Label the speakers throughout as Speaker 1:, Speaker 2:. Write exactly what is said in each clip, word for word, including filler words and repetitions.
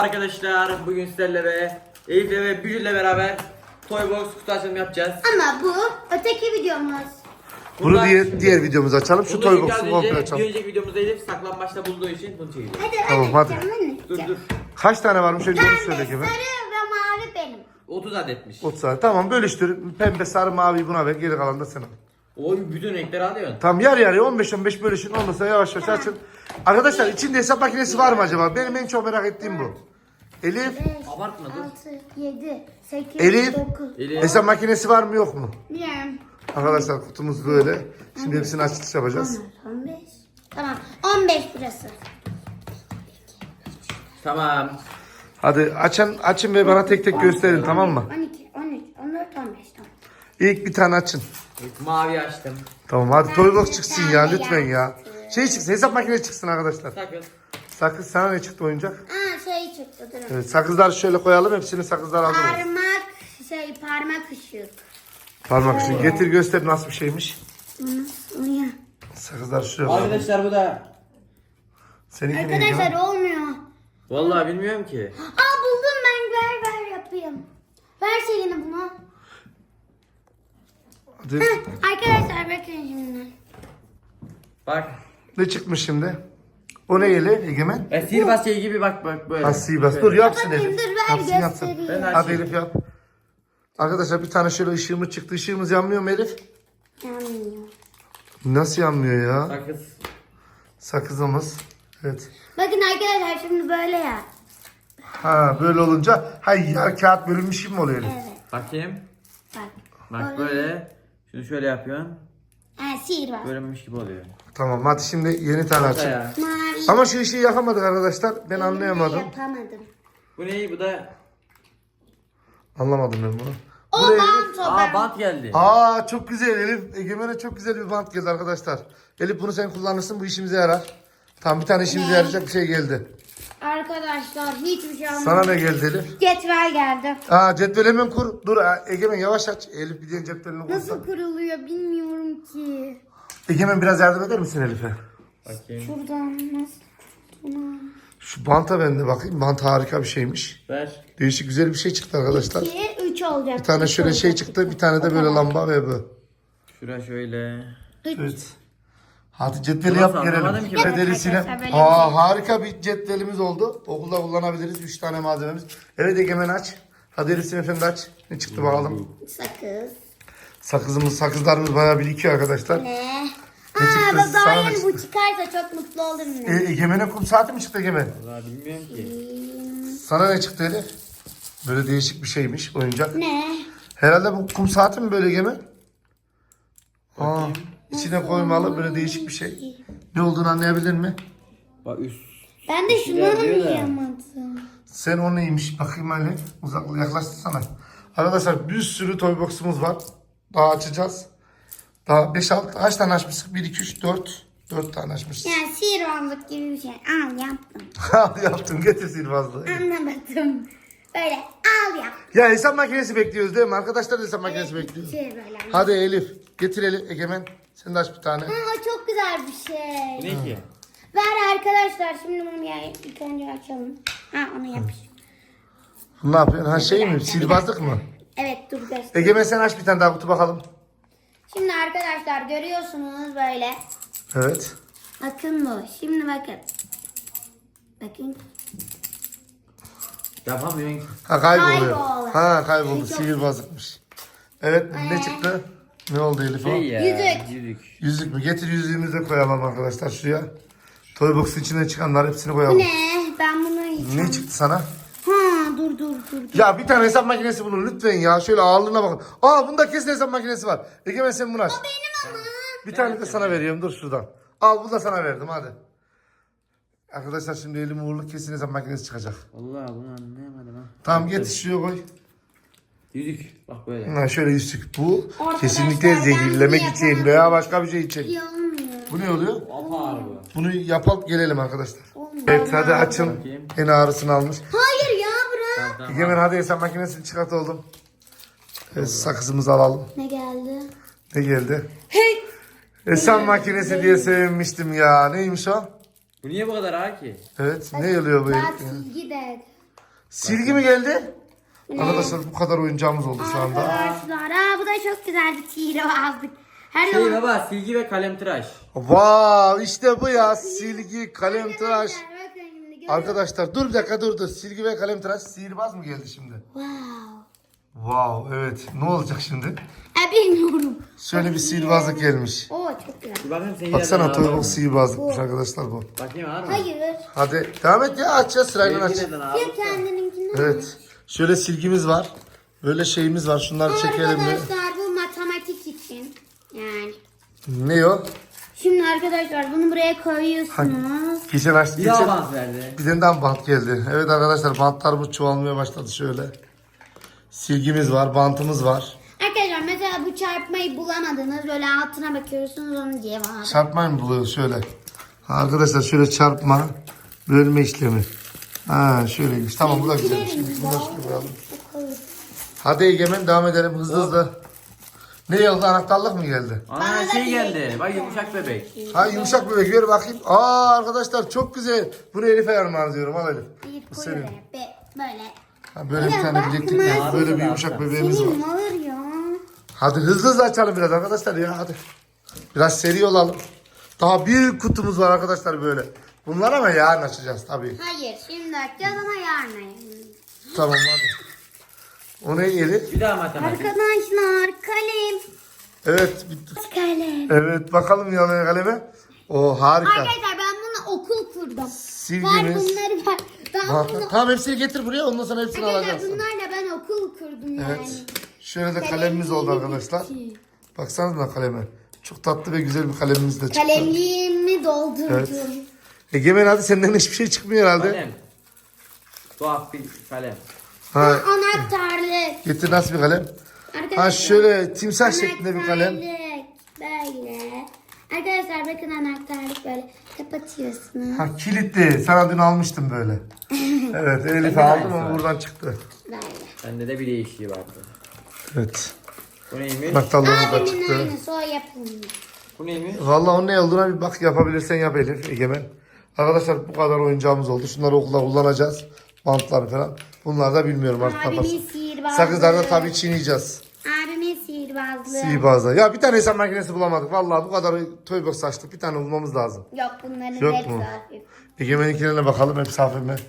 Speaker 1: Arkadaşlar bugün sizlerle ve Elif'le ve Bücür'le beraber Toybox kutu açılımı yapacağız.
Speaker 2: Ama bu öteki videomuz.
Speaker 3: Bunu diğer, diğer videomuzu açalım. Şu Toybox'u komple
Speaker 1: Bir
Speaker 3: açalım.
Speaker 1: önceki videomuzda Elif saklambaçta bulduğu için bunu çekeceğiz.
Speaker 2: Hadi
Speaker 3: Tamam,
Speaker 2: ben
Speaker 3: hadi.
Speaker 2: açacağım, ben
Speaker 1: Dur
Speaker 2: açacağım.
Speaker 1: dur.
Speaker 3: Kaç tane varmış önce onu
Speaker 2: Pembe,
Speaker 3: söyle
Speaker 2: sarı
Speaker 3: Kemal.
Speaker 2: ve mavi benim.
Speaker 1: otuz adetmiş.
Speaker 3: otuz tane. Tamam bölüştür. Pembe, sarı, mavi buna ver. Geri kalan da sen al.
Speaker 1: Oy bütün renkleri alıyorsun.
Speaker 3: Tamam yarı yarıya on beş on beş bölüşün. Ondan sonra yavaş yavaş açın. Arkadaşlar içinde hesap makinesi var mı acaba? Benim en çok merak ettiğim bu. Elif.
Speaker 2: beş,
Speaker 1: Abartma, dur.
Speaker 2: altı, yedi, sekiz,
Speaker 3: Elif.
Speaker 2: dokuz.
Speaker 1: Elif.
Speaker 3: Hesap makinesi var mı yok mu?
Speaker 2: Bilmiyorum.
Speaker 3: Arkadaşlar kutumuz böyle. Şimdi hepsini açılış yapacağız.
Speaker 2: on beş. Tamam. on beş burası.
Speaker 1: Tamam.
Speaker 3: Hadi açın, açın ve bana tek tek gösterin tamam mı?
Speaker 2: on iki, on üç, on dört, on beş tamam.
Speaker 3: İlk bir tane açın.
Speaker 1: İlk mavi açtım.
Speaker 3: Tamam hadi Toybox çıksın ya lütfen ya. Şey çıksın hesap makinesi çıksın arkadaşlar.
Speaker 1: Sakız.
Speaker 3: Sakız sana ne çıktı oyuncak?
Speaker 2: Aa şey çıktı durun.
Speaker 3: Evet, sakızları şöyle koyalım. Hepsini sakızlar hazır olsun.
Speaker 2: Parmak şey parmak ışık.
Speaker 3: Parmak için. Getir göster nasıl bir şeymiş.
Speaker 2: Nasıl ya?
Speaker 3: Sakızları şuraya koyalım.
Speaker 1: Arkadaşlar bu da.
Speaker 3: Seninki neydi
Speaker 2: Arkadaşlar
Speaker 3: lan?
Speaker 2: olmuyor.
Speaker 1: Vallahi bilmiyorum ki.
Speaker 2: Aa buldum ben ver ver yapayım. Ver şeyini bunu.
Speaker 3: Hadi.
Speaker 2: Heh, arkadaşlar bakın şimdi.
Speaker 1: Bak.
Speaker 3: Ne çıkmış şimdi? O ne yeli Egemen?
Speaker 1: E, sihirbaz şey gibi bak bak böyle.
Speaker 3: Asiyi bas. Dur yapsın
Speaker 2: Bakayım,
Speaker 3: Elif.
Speaker 2: dur, ver,
Speaker 3: Yapsın yapsın.
Speaker 2: göstereyim.
Speaker 1: Ben
Speaker 3: Hadi
Speaker 1: açayım.
Speaker 3: Elif yap. Arkadaşlar bir tane şöyle ışığımız çıktı. Işığımız yanmıyor mu Elif?
Speaker 2: Yanmıyor.
Speaker 3: Nasıl yanmıyor ya?
Speaker 1: Sakız.
Speaker 3: Sakızımız. Evet.
Speaker 2: Bakın arkadaşlar şimdi böyle ya.
Speaker 3: Ha böyle olunca hay ya kağıt bölünmüş gibi mi oluyor Elif?
Speaker 2: Evet.
Speaker 1: Bakayım.
Speaker 2: Bak.
Speaker 1: Bak böyle. Şunu şöyle yapıyorsun.
Speaker 2: Ha sihir var.
Speaker 1: Bölünmüş gibi oluyor.
Speaker 3: Tamam hadi şimdi yeni tane açın.
Speaker 1: Ya.
Speaker 2: Mavi.
Speaker 3: Ama şu ışığı yakamadık arkadaşlar. Ben
Speaker 2: Elimle
Speaker 3: anlayamadım.
Speaker 2: Yapamadım.
Speaker 1: Bu ne? Bu da.
Speaker 3: Anlamadım ben bunu.
Speaker 2: O
Speaker 3: Bu ne Elif?
Speaker 2: bant o
Speaker 1: Aa
Speaker 2: bant.
Speaker 1: bant geldi.
Speaker 3: Aa çok güzel Elif. Egemen'e çok güzel bir bant geldi arkadaşlar. Elif bunu sen kullanırsın bu işimize yarar. Tam bir tane işimize
Speaker 2: Ne?
Speaker 3: yarayacak bir şey geldi.
Speaker 2: Arkadaşlar hiçbir şey olmadı.
Speaker 3: Sana ne geldi Elif?
Speaker 2: Cetvel geldi.
Speaker 3: Aa cetvel hemen kur. Dur ha, Egemen yavaş aç. Elif bir diğer cetvelini kursa.
Speaker 2: Nasıl kuruluyor bilmiyorum ki.
Speaker 3: Egemen biraz yardım eder misin Elif'e?
Speaker 1: Bakayım.
Speaker 2: Şuradan nasıl kurulduğunu.
Speaker 3: Şu banta ben de bakayım. Bant harika bir şeymiş.
Speaker 1: Ver.
Speaker 3: Değişik güzel bir şey çıktı arkadaşlar.
Speaker 2: iki, üç olacak.
Speaker 3: Bir tane şöyle şey çıktı. Bir tane de böyle lamba ve bu.
Speaker 1: Şura şöyle.
Speaker 3: Evet. Hadi cetveli
Speaker 1: Nasıl
Speaker 3: yap gelelim.
Speaker 1: anlamadım ki ben.
Speaker 3: Ve derisine.
Speaker 2: Arkadaşlar böyle
Speaker 3: Aa
Speaker 2: bir şey.
Speaker 3: harika bir cetvelimiz oldu. Okulda kullanabiliriz. Üç tane malzememiz. Evet Egemen aç. Hadi Erisine efendi aç. Ne çıktı bakalım.
Speaker 2: Sakız.
Speaker 3: Sakızımız, sakızlarımız bayağı birikiyor arkadaşlar.
Speaker 2: Ne?
Speaker 3: Ne
Speaker 2: Aa
Speaker 3: çıktı?
Speaker 2: baba
Speaker 3: Sana ne
Speaker 2: yani
Speaker 3: çıktı?
Speaker 2: bu çıkarsa çok mutlu olurum
Speaker 3: E,
Speaker 2: ben.
Speaker 3: Egemen'e kum saati mi çıktı Egemen?
Speaker 1: Vallahi bilmiyorum ki.
Speaker 3: Sana ne çıktı Elif? Böyle değişik bir şeymiş oyuncak.
Speaker 2: Ne?
Speaker 3: Herhalde bu kum saati mi böyle Egemen? Aa, içine koymalı böyle değişik bir şey. Ne olduğunu anlayabilir mi?
Speaker 1: Bak üst.
Speaker 2: Ben de şunu
Speaker 1: şeyler diyor da.
Speaker 2: anlayamadım.
Speaker 3: Sen o neymiş? Bakayım hele. Uzak yaklaştırsana. Arkadaşlar bir sürü toybox'umuz var. Daha açacağız. Daha beş altı kaç tane açmıştık? bir iki üç dört dört tane açmışız.
Speaker 2: Yani sihirbazlık gibi bir şey. Al yaptım.
Speaker 3: Al yaptım getir sihirbazlığı.
Speaker 2: Anlamadım. Böyle al yap.
Speaker 3: Ya hesap makinesi bekliyoruz değil mi? Arkadaşlar da hesap makinesi bekliyor.
Speaker 2: Şey böyle.
Speaker 3: Hadi Elif getir Elif Egemen. Sen de aç bir tane.
Speaker 2: Ha, o çok güzel bir
Speaker 1: Bu
Speaker 2: şey.
Speaker 1: ne ki?
Speaker 2: Ver arkadaşlar şimdi bunu bir ilk önce açalım. Ha onu yapış.
Speaker 3: Ne yapıyorsun? Ha şey mi? Sihirbazlık mı?
Speaker 2: Evet dur göster.
Speaker 3: Egemen sen aç bir tane daha kutu bakalım.
Speaker 2: Şimdi arkadaşlar görüyorsunuz böyle.
Speaker 3: Evet.
Speaker 2: Bakın bu. Şimdi bakın. Bakın.
Speaker 1: Yapamıyorum ki.
Speaker 3: Ha kayboluyor.
Speaker 2: Kayboldu.
Speaker 3: Ha kayboldu.
Speaker 2: Çok-
Speaker 3: Sihirbazlıkmış. Evet ne
Speaker 2: Ee?
Speaker 3: çıktı? Ne oldu Elif o?
Speaker 1: Şey ya.
Speaker 2: Yüzük.
Speaker 1: Yüzük.
Speaker 3: Yüzük mü? Getir yüzüğümüzü de koyalım arkadaşlar şuraya. Toybox'un içine çıkanlar hepsini
Speaker 2: Bu
Speaker 3: koyalım.
Speaker 2: ne? Ben bunu yiyeceğim.
Speaker 3: Ne çıktı sana?
Speaker 2: Ha dur dur dur. dur.
Speaker 3: Ya bir tane hesap makinesi bulun lütfen ya. Şöyle ağırlığına bakın. Aa bunda kesin hesap makinesi var. Egemen sen bunu aç.
Speaker 2: Benim ama.
Speaker 3: Bir tane de sana veriyorum. Dur şuradan. Al bunu da sana verdim hadi. Arkadaşlar şimdi elim uğurlu kesin hesap makinesi çıkacak.
Speaker 1: Vallahi bunu anlayamadım ha.
Speaker 3: Tamam getir şuraya koy.
Speaker 1: Yüzük. Bak böyle.
Speaker 3: Ha, şöyle yüzük. Bu
Speaker 2: Arkadaşlar,
Speaker 3: kesinlikle
Speaker 2: ben
Speaker 3: zehirlemek
Speaker 2: bunu
Speaker 3: için
Speaker 2: yapamam.
Speaker 3: veya başka bir şey için.
Speaker 2: İyi olmuyor.
Speaker 3: Bu ne oluyor?
Speaker 1: Apar bu.
Speaker 3: Bunu yapalım gelelim arkadaşlar.
Speaker 2: Olmuyor.
Speaker 3: Evet hadi açın.
Speaker 1: Bakayım.
Speaker 3: En ağrısını almış.
Speaker 2: Hayır ya bırak.
Speaker 1: Tamam, tamam.
Speaker 3: Egemen hadi hesap makinesini çıkart oğlum. Evet, sakızımızı alalım.
Speaker 2: Ne geldi?
Speaker 3: Ne geldi?
Speaker 2: Hey.
Speaker 3: Hesap makinesi diye sevinmiştim ya. Neymiş o?
Speaker 1: Bu niye bu kadar ağır ki?
Speaker 3: Evet. Ne oluyor bu?
Speaker 2: Daha
Speaker 3: herif ya?
Speaker 2: silgi de.
Speaker 3: Silgi mi geldi?
Speaker 2: Ne?
Speaker 3: Arkadaşlar bu kadar oyuncağımız oldu şu anda.
Speaker 2: Arkadaşlar aa, bu da çok güzel bir sihirbazlık. Her
Speaker 1: Şey
Speaker 2: zaman.
Speaker 1: baba silgi ve kalem tıraş.
Speaker 3: Wow, işte bu ya. Silgi, kalem tıraş.
Speaker 2: Arkadaşlar, bakın şimdi görüyor musunuz?
Speaker 3: Arkadaşlar dur bir dakika dur dur. Silgi ve kalem tıraş sihirbaz mı geldi şimdi?
Speaker 2: Wow.
Speaker 3: Wow, evet. Ne olacak şimdi?
Speaker 2: E, bilmiyorum.
Speaker 3: Şöyle bir sihirbazlık gelmiş.
Speaker 2: Oo çok güzel.
Speaker 1: Bir bakayım senin
Speaker 3: Baksana
Speaker 1: yerden ağır
Speaker 3: Toybox
Speaker 1: mı?
Speaker 3: sihirbazlıkmış arkadaşlar bu.
Speaker 1: Bakayım ağır mı?
Speaker 2: Hayır.
Speaker 3: Hadi devam et ya, açacağız sırayla aç.
Speaker 1: Benimki neden ağır?
Speaker 2: Ya kendininkini.
Speaker 3: Evet. Şöyle silgimiz var. Böyle şeyimiz var. Şunları çekelim mi?
Speaker 2: Arkadaşlar bu matematik için. Yani.
Speaker 3: Ne o?
Speaker 2: Şimdi arkadaşlar bunu buraya koyuyorsunuz.
Speaker 3: Geçen aç.
Speaker 1: Bir daha
Speaker 3: Geçen...
Speaker 1: avans verdi.
Speaker 3: Bir tane daha bant geldi. Evet arkadaşlar bantlarımız çoğalmaya başladı şöyle. Silgimiz var, bantımız var.
Speaker 2: Arkadaşlar mesela bu çarpmayı bulamadınız. Böyle altına bakıyorsunuz onun cevabı.
Speaker 3: Çarpmayı mı buluyor şöyle? Ha, arkadaşlar şöyle çarpma, bölme işlemi. Ha şöyleymiş. Tamam bu da güzel. Şimdi bunu da şöyle koyalım. Hadi Egemen devam edelim hızlı hızlı. Ne oldu, anahtarlık mı geldi?
Speaker 1: Aa
Speaker 2: Bana da
Speaker 1: şey
Speaker 2: bir-
Speaker 1: geldi. Bak yumuşak bebek.
Speaker 3: Ha yumuşak bebek ver bakayım. Aa arkadaşlar çok güzel. Bunu Elif'e yarım diyorum, al Elif.
Speaker 2: Bir
Speaker 3: Bu
Speaker 2: koy
Speaker 3: senin.
Speaker 2: böyle. Be- böyle.
Speaker 3: Ha, böyle bir
Speaker 2: Ya
Speaker 3: tane
Speaker 2: bakma.
Speaker 3: bileklik var. Böyle bir
Speaker 1: Ağzı
Speaker 3: yumuşak
Speaker 1: da
Speaker 3: bebeğimiz var.
Speaker 2: Senin alır ya.
Speaker 3: Hadi hızlı hızlı açalım biraz arkadaşlar ya hadi. Biraz seri olalım. Daha büyük kutumuz var arkadaşlar böyle. Bunlar ama yarın açacağız tabii.
Speaker 2: Hayır şimdi açacağız ama yarın.
Speaker 3: Tamam hadi. O ne Elif?
Speaker 1: Bir daha matematik.
Speaker 2: Arkadaşlar kalem.
Speaker 3: Evet bitti.
Speaker 2: Kalem.
Speaker 3: Evet bakalım yanına kaleme. O harika.
Speaker 2: Arkadaşlar ben bunu okul kurdum. Var
Speaker 3: Silgimiz.
Speaker 2: bunları var. Ben
Speaker 3: Bak,
Speaker 2: bunu...
Speaker 3: tamam hepsini getir buraya, ondan sonra hepsini
Speaker 2: Arkadaşlar
Speaker 3: alacaksın.
Speaker 2: bunlarla ben okul kurdum yani.
Speaker 3: Evet. Şöyle de kalemimiz oldu arkadaşlar. Baksanıza kaleme. Çok tatlı ve güzel bir kalemimiz de çıktı.
Speaker 2: Kalemliğimi doldurdum.
Speaker 3: Evet. Egemen hadi senden hiçbir şey çıkmıyor herhalde.
Speaker 1: Kalem. Tuhaf bir kalem.
Speaker 3: Ha,
Speaker 2: Anahtarlık.
Speaker 3: getir nasıl bir kalem?
Speaker 2: Arkadaşlar.
Speaker 3: Ha şöyle timsah şeklinde bir kalem.
Speaker 2: Anahtarlık. Böyle. Arkadaşlar bakın anahtarlık böyle kapatıyorsunuz.
Speaker 3: Ha kilitli. Sana dün almıştım böyle. Evet Elif'e
Speaker 1: Bende de
Speaker 3: aldım
Speaker 1: aynısı
Speaker 3: ama
Speaker 1: var.
Speaker 3: buradan çıktı.
Speaker 2: Böyle.
Speaker 1: Bende de bir değişiği vardı.
Speaker 3: Evet.
Speaker 1: Bu neymiş?
Speaker 3: Anahtarlığımız da
Speaker 2: Abimin
Speaker 3: çıktı.
Speaker 2: aynısı o yapılmış.
Speaker 1: Bu neymiş?
Speaker 3: Vallahi onun ne olduğuna bir bak, yapabilirsen yap Elif, Egemen. Arkadaşlar bu kadar oyuncağımız oldu. Şunları okulda kullanacağız. Bantları falan. Bunlar da bilmiyorum artık
Speaker 2: Abimin
Speaker 3: kafası.
Speaker 2: sihirbazlığı.
Speaker 3: Sakızları da tabii çiğneyeceğiz.
Speaker 2: Abimin sihirbazlığı.
Speaker 3: Sihirbazda. Ya bir tane hesap makinesi bulamadık. Vallahi bu kadar Toybox açtık. Bir tane bulmamız lazım.
Speaker 2: Yok bunların
Speaker 3: Yok
Speaker 2: hepsi
Speaker 3: mu?
Speaker 2: hafif.
Speaker 3: Egemen'inkilerine bakalım. Hepsi hafif mi?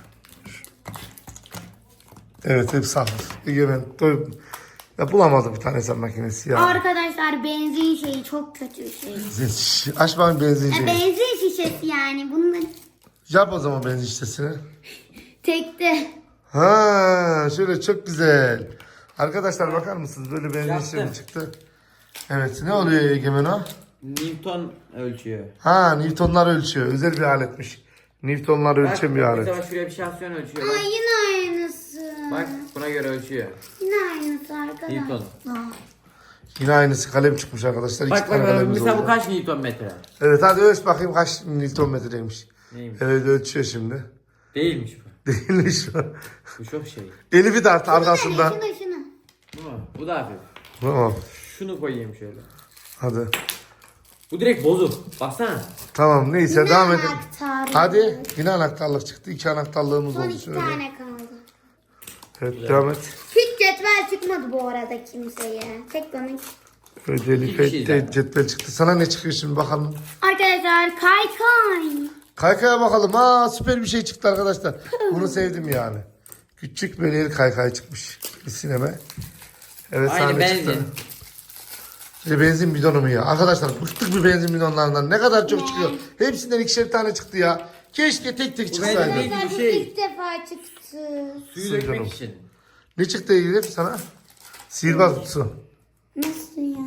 Speaker 3: Evet hepsi hafif. Egemen. Toy... Ya bulamadık bir tane hesap makinesi ya.
Speaker 2: Arkadaşlar benzin şeyi çok kötü şey.
Speaker 3: Şş, Aç bakayım benzin
Speaker 2: Ya
Speaker 3: şeyini.
Speaker 2: benzin şişesi yani bunların
Speaker 3: Yap o zaman benzin şişesini.
Speaker 2: tekte.
Speaker 3: Ha, şöyle çok güzel. Arkadaşlar bakar mısınız? Böyle benzin
Speaker 1: Yaptım.
Speaker 3: şişesi çıktı. Evet. Ne oluyor Egemen o?
Speaker 1: Newton ölçüyor.
Speaker 3: Ha, Newtonlar ölçüyor. Özel bir aletmiş. Newtonlar ölçen bir
Speaker 1: Bak,
Speaker 3: alet.
Speaker 1: mesela şuraya bir şahsiyon ölçüyor.
Speaker 2: Aa
Speaker 1: Bak,
Speaker 2: yine aynısı.
Speaker 1: bak buna göre ölçüyor.
Speaker 2: Yine aynısı arkadaşlar.
Speaker 1: Newton.
Speaker 2: Aa.
Speaker 3: Yine aynısı kalem çıkmış arkadaşlar. İki
Speaker 1: Bak
Speaker 3: tane
Speaker 1: bak
Speaker 3: kalemimiz
Speaker 1: mesela bu
Speaker 3: oldu.
Speaker 1: kaç Newton metre?
Speaker 3: Evet hadi ölç bakayım kaç Newton metreymiş.
Speaker 1: Neymiş?
Speaker 3: Evet ölçüyor şimdi.
Speaker 1: Değilmiş bu.
Speaker 3: Değilmiş o.
Speaker 1: Bu çok şey.
Speaker 3: Elif'i de artı arkasında.
Speaker 2: Şunu şunu.
Speaker 1: Bu mu? Bu da hafif.
Speaker 3: Tamam.
Speaker 1: Şunu koyayım şöyle.
Speaker 3: Hadi.
Speaker 1: Bu direkt bozuk. Baksana.
Speaker 3: Tamam neyse
Speaker 2: Yine
Speaker 3: devam edelim.
Speaker 2: anahtarlık.
Speaker 3: Hadi yine anahtarlık çıktı. İki anahtarlığımız
Speaker 2: Son
Speaker 3: oldu
Speaker 2: iki
Speaker 3: şöyle.
Speaker 2: tane kaldı.
Speaker 3: Evet devam et.
Speaker 2: Hiç cetvel çıkmadı bu arada kimseye. Tek bana.
Speaker 3: Evet
Speaker 1: İki
Speaker 3: Elif'e
Speaker 1: kişiyiz
Speaker 3: de
Speaker 1: yani.
Speaker 3: cetvel çıktı. Sana ne çıkıyor şimdi bakalım.
Speaker 2: Arkadaşlar kaykay.
Speaker 3: Kaykaya bakalım. Aa süper bir şey çıktı arkadaşlar. Bunu sevdim yani. Küçük böyle el kaykay çıkmış. Bir sineme. Evet
Speaker 1: Aynı
Speaker 3: sana ne
Speaker 1: benzin.
Speaker 3: çıktı? Bir benzin bidonu mu ya? Arkadaşlar bıktık bir benzin bidonlarından. Ne kadar çok çıkıyor. Hepsinden ikişer tane çıktı ya. Keşke tek tek çıksaydı.
Speaker 1: benzin-
Speaker 2: Arkadaşlar bu
Speaker 1: şey.
Speaker 2: ilk defa çıktı.
Speaker 1: Suyu
Speaker 3: Su canım.
Speaker 1: dökmek için.
Speaker 3: Ne çıktı Elif sana? Sihirbaz kutusu.
Speaker 2: Nasıl ya?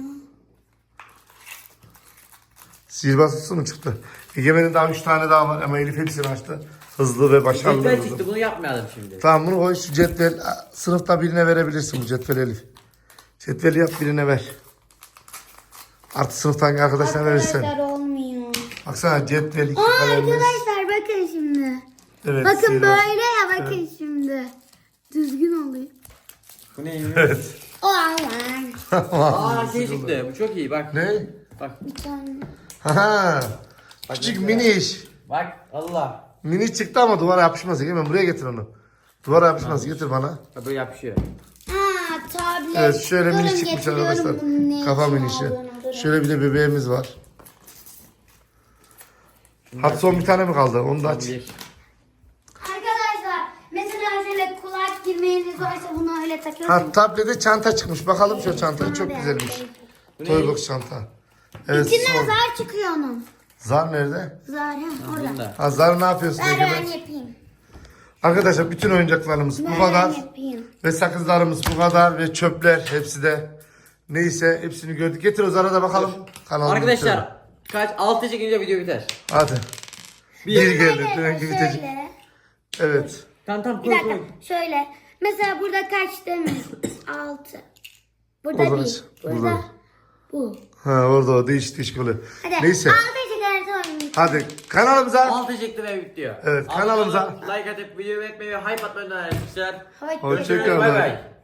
Speaker 3: Sihirbaz kutusu mu çıktı? Egemen'in daha üç tane daha var ama Elif hepsini açtı. Hızlı ve başarılı.
Speaker 1: Cetvel
Speaker 3: oldu.
Speaker 1: çıktı bunu yapmayalım şimdi.
Speaker 3: Tamam bunu koy şu cetvel. Aa, Sınıfta birine verebilirsin bu cetveli Elif. Cetveli yap birine ver. Artı sınıftan arkadaşlarına verirsen.
Speaker 2: Arkadaşlar olmuyor.
Speaker 3: Baksana cetvel iki
Speaker 2: Aa
Speaker 3: kalemimiz.
Speaker 2: arkadaşlar bakın şimdi.
Speaker 3: Evet,
Speaker 2: bakın
Speaker 3: sihirbaz.
Speaker 2: böyle ya bakın şimdi. Düzgün oluyor.
Speaker 1: Bu neymiş?
Speaker 3: Evet.
Speaker 2: O Allah'ım.
Speaker 1: Aa şey çıktı. Bu çok iyi bak.
Speaker 3: Ne?
Speaker 1: Bak.
Speaker 2: Bir tane.
Speaker 3: Ha. Küçük mini iş.
Speaker 1: Bak Allah.
Speaker 3: Mini çıktı ama duvara yapışmaz. Hemen buraya getir onu. Duvara yapışmaz. Getir bana.
Speaker 1: Ha, böyle yapışıyor.
Speaker 2: Ha tablet.
Speaker 3: Evet şöyle
Speaker 2: Durun,
Speaker 3: mini çıkmış
Speaker 2: getiriyorum
Speaker 3: arkadaşlar.
Speaker 2: bunun ne
Speaker 3: Kafa
Speaker 2: için
Speaker 3: minişi.
Speaker 2: olduğunu, durun.
Speaker 3: Şöyle bir de bebeğimiz var. Hadi son bir tane mi kaldı? Onu da aç.
Speaker 1: Bir.
Speaker 2: Arkadaşlar mesela şöyle kulak girmeyeniz varsa bunu öyle takıyorsunuz.
Speaker 3: Ha tablete çanta çıkmış. Bakalım şu çanta çok güzelmiş.
Speaker 1: Bu ne?
Speaker 3: Toybox çanta. Evet.
Speaker 2: İçinden
Speaker 3: son.
Speaker 2: zar çıkıyor onun.
Speaker 3: Zar nerede?
Speaker 2: Zar ha orada.
Speaker 1: Bunda.
Speaker 3: Ha zar ne yapıyorsun
Speaker 2: Ver ben
Speaker 3: Egemen?
Speaker 2: yapayım.
Speaker 3: Arkadaşlar bütün oyuncaklarımız bu
Speaker 2: Ver
Speaker 3: kadar.
Speaker 2: ben yapayım.
Speaker 3: Ve sakızlarımız bu kadar. Ve çöpler hepsi de. Neyse hepsini gördük. Getir o zara da bakalım. Kanalımızı bitirelim.
Speaker 1: Arkadaşlar kaç? altı çekince video biter.
Speaker 3: Hadi.
Speaker 1: Bir.
Speaker 3: Bir geldi.
Speaker 2: Şöyle,
Speaker 3: Dönen gibi bitecek.
Speaker 2: şöyle.
Speaker 3: Evet.
Speaker 1: Tamam tamam
Speaker 2: Bir
Speaker 1: koy
Speaker 2: dakika
Speaker 1: koy.
Speaker 2: şöyle. Mesela burada kaç demiş? Altı. Burada
Speaker 3: O zaman-
Speaker 2: değil. Burada.
Speaker 3: burada.
Speaker 2: Bu.
Speaker 3: Ha orada o değişik değişik oluyor.
Speaker 2: Hadi.
Speaker 3: Neyse.
Speaker 2: Altı çıkarsa oyun.
Speaker 3: Hadi kanalımıza.
Speaker 1: altı çekti ve bitiyor.
Speaker 3: Evet,
Speaker 1: Abone
Speaker 3: kanalımıza-
Speaker 1: olun, like atıp video beğenmeyi ve hype atmayı unutmayın arkadaşlar.
Speaker 2: Hoşça
Speaker 3: Hoşçakalın.
Speaker 1: Bay bay.